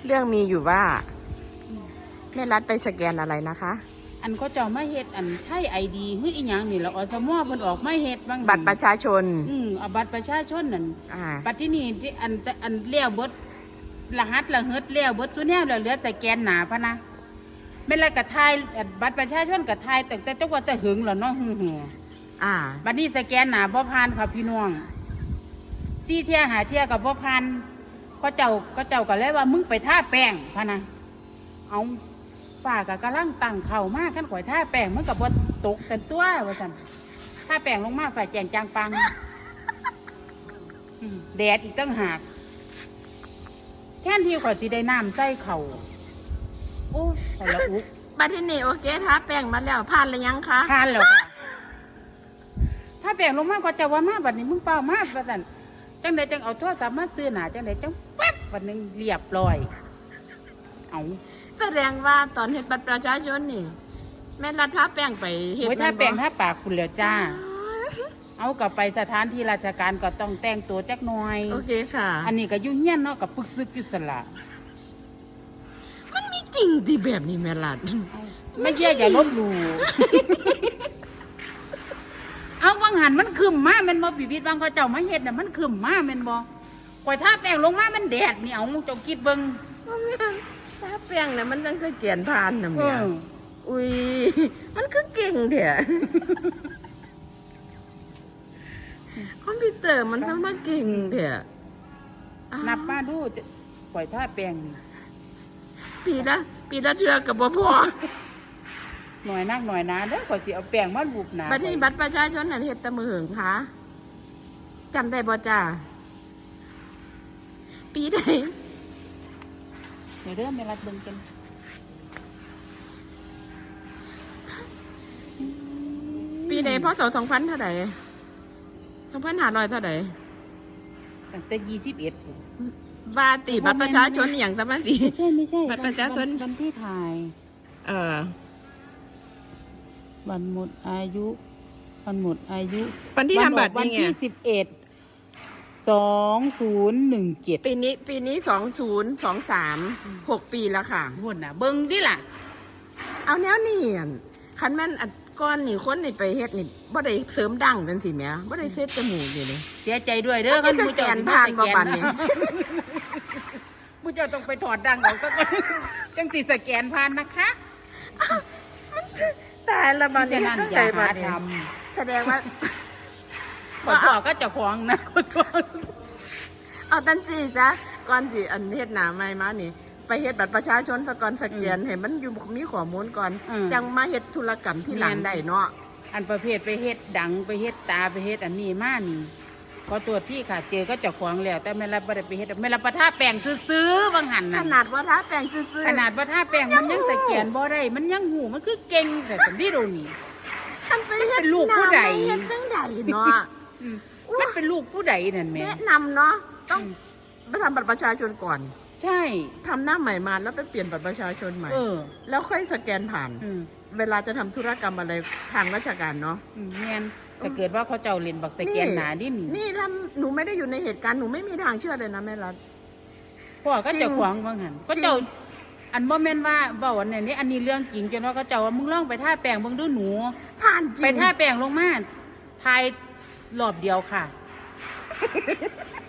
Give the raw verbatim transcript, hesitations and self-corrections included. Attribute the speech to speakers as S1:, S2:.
S1: เรื่องมีอยู่ว่าแม่รัฐไปสแกนอะไรนะคะ
S2: อันเขาเจ้ามาเฮ็ดอันใช่ไอดีเฮ้ยอีหยังนี่แล้วอสมอเพิ่นออกมาเฮ็ดบาง
S1: บัตรประชาชน
S2: อืมเอาบัตรประชาชนนั่น
S1: อ่า
S2: บัตรที่นี่ที่อันอันเลี้ยวเบิดรหัสละเฮิดเลี้ยวเบิดตัวแนวแล้วเหลือแต่แกนหนาพะนะแม่นแล้วก็ทายอันบัตรประชาชนก็ทายตั้งแต่จังว่าแต่หึงแล้วเนาะหึงแห
S1: อ่า
S2: บัดนี้สแกนหนาบ่ผ่านค่ะพี่น้องซี่เที่ยหาเที่ยกับบ่ผ่านก็เจ้าก็เจ้าก็เลยว่ามึงไปท่าแป้งพะนะเอาป้าก็กำลังตั้งเข่ามากขั้นข่อยท่าแป้งมันกับบ่ตกแต่ตัวว่าซั่นท่าแป้งลงมาฝ่ายแจงจางปังอืมแดดอีกตั้งหากแค่ที่ข่อยสิได้น้ำใส่เข่าโอ้ข่อยละอุก
S1: บัตรที่นี่โอเคท้าแป้งมาแล้วผ่านหรือยังคะ
S2: ผ่านแล้วค่ะถ้าแป้งลงมาก็จะว่ามาบัดนี้มึงเปล่ามาว่าซั่นจังใดจังเอาโทรศัพท์มาซื้อหนาจังใดจังแป๊บวันหนึงเรียบร้อยเอา
S1: แสดงว่าตอนเฮ็ดบัตรประชาชนนี่แม่รัฐท้าแป้งไปเฮ็ด
S2: โอ้ยถ้า
S1: ม่นบ่
S2: แป้งถ้าปากคุณแล้วจ้า เอากลับไปสถานที่ราชการก็ต้องแต่งตัวจักหน่อย
S1: โอเคค่ะ
S2: อันนี้ก็ยุ่งเงี้ยนเนาะกับปึกซึกอยู่สละ
S1: มันมีจริงที่แบบนี้แม่รัฐ
S2: ไม่เชื่ออย่าลบหลู่ เอาวังหันมันขึ้นมาแมันบ่ปีบิดบางเขาเจ้ามาเฮ็ดน่ะมันขึ้นมาแมันบ่ข่อยถ้าแป้งลงมามันแดดนี่เอาเจ้าคิดเบิ่ง
S1: ท้าแป้งน่ะมันจังคือเกียนผ่านน่ะ
S2: เอ
S1: แม่
S2: อ
S1: อุ้ยมันคือเก่งแท้คอมพิวเตอร์มันช่างมาเก่งแท้อ้าว
S2: นับมาดูจะข่อยถ้าแป้งนี่
S1: ปีละปีละเทื่อก็บ่พอ
S2: หน่อยนักหน่อยนะเด้อข่อยสิเอาแป้งมาลูบหน้า
S1: บัตรที่บัตรประชาชนน่ะเฮ็ดแตะมือหึงคะจำได้บ่จ้าปีใด
S2: เดี๋ยวเด้อแม่รัดเบิ่งกัน
S1: ปีใดพศสองพันเท่าใดสองพันห้าร้อยเท่าใด
S2: ตั้งแต่ยี่สิบเอ็ด
S1: ว่าติบัตรประชาชนอหย่างซะมาสิ
S2: ไม่ใช่ไม่ใช่
S1: บัตรประชาชน
S2: วันที่ถ่าย
S1: เออ
S2: วันหมดอายุวันหมดอายุ
S1: วันที่ทำบัตร
S2: วั
S1: นี่ไง
S2: ที่สิบเอ็ดสองศูนย์หนึ่งเจ็ด
S1: ปีนี้ปีนี้สองศูนย์สองสามหกปีแล้วค่ะ
S2: หุ่นน่ะ เบิ่งดิล่ะ
S1: เอาแนวนี่อั่นคันแม่นอัดก้อนนี่คนนี่ไปเฮ็ดนี่บ่ได้เสริมดั้งจังสิแหม่บ่ได้เซ็ตจมูกอยู่นี่
S2: เสียใจด้วยเด้อ
S1: มันจะสแกนผ่านบ่บัดนี้
S2: ผู้เจ้าต้องไปถอดดังออกซะก่อนจังสิสแกนผ่านนะคะ
S1: ตายละบัด
S2: ฉะ
S1: นี้
S2: นั้น
S1: ตั้ง
S2: อ
S1: ใจ
S2: ย่า
S1: บั
S2: หา
S1: ดนี้
S2: ท
S1: แสดงว่า
S2: ำขอพ่อก็เจะคล้าของนะขอโทษ
S1: เอาตันจีจ้ะก่อนสิอันเฮ็ดหน้าใหม่มานี่ ไปเฮ็ดบัตรประชาชนซะก่อนสแกนให้มันอยู่มีข้อมูลก่อน จังมาเฮ็ดธุรกรรมที่หลังได้เนาะ
S2: อันประเภทไปเฮ็ดดังไปเฮ็ดตาไปเฮ็ดอันนี้มานี่ขอตัวที่ค่ะเจอก็เจะคล้าของแล้ว แต่ไม่รับบ่ได้ไปเฮ็ดไม่รับประท่าแป้งซื้อๆบางหัน
S1: ข
S2: น่ะ
S1: นาดว่าท้าแป้งซื่อๆ
S2: ขนาดประท่าแป้งมันยังสแกนบ่ได้มันยังหูมันคือเก่งแต่สันที่ดูนี่
S1: คันไปเฮ็ด
S2: เป็นลูกผู้ใด
S1: น้ำเฮ็ดจังใดเนาะ
S2: อืมมันเป็นลูกผู้ใดนั่นแหม่
S1: แนะนำเนาะต้องไปทำบัตรประชาชนก่อน
S2: ใช่
S1: ทำหน้าใหม่มาแล้วไปเปลี่ยนบัตรประชาชนใหม่
S2: เออ
S1: แล้วค่อยสแกนผ่าน
S2: อืม
S1: เวลาจะทำธุรกรรมอะไรทางราชการเนาะ
S2: อืมแม่นถ้าเกิดว่าเขาเจ้าเล่นบักสแกนหนาดินี่
S1: นี่ถ้าหนูไม่ได้อยู่ในเหตุการณ์หนูไม่มีทางเชื่อเลยนะแม่รัฐ
S2: พ่อก็
S1: จริง
S2: เจะขวางบางหันก็เจ้าอันบ่แม่นว่าเว้าอันนี้นี่อันนี้เรื่องจริงจนว่าเขาเจ้าว่ามึงลองไปท่าแป้งเบิ่งดูหนู
S1: ผ่านจริง
S2: ไปท่าแป้งลงมาทายรอบเดียวค่ะ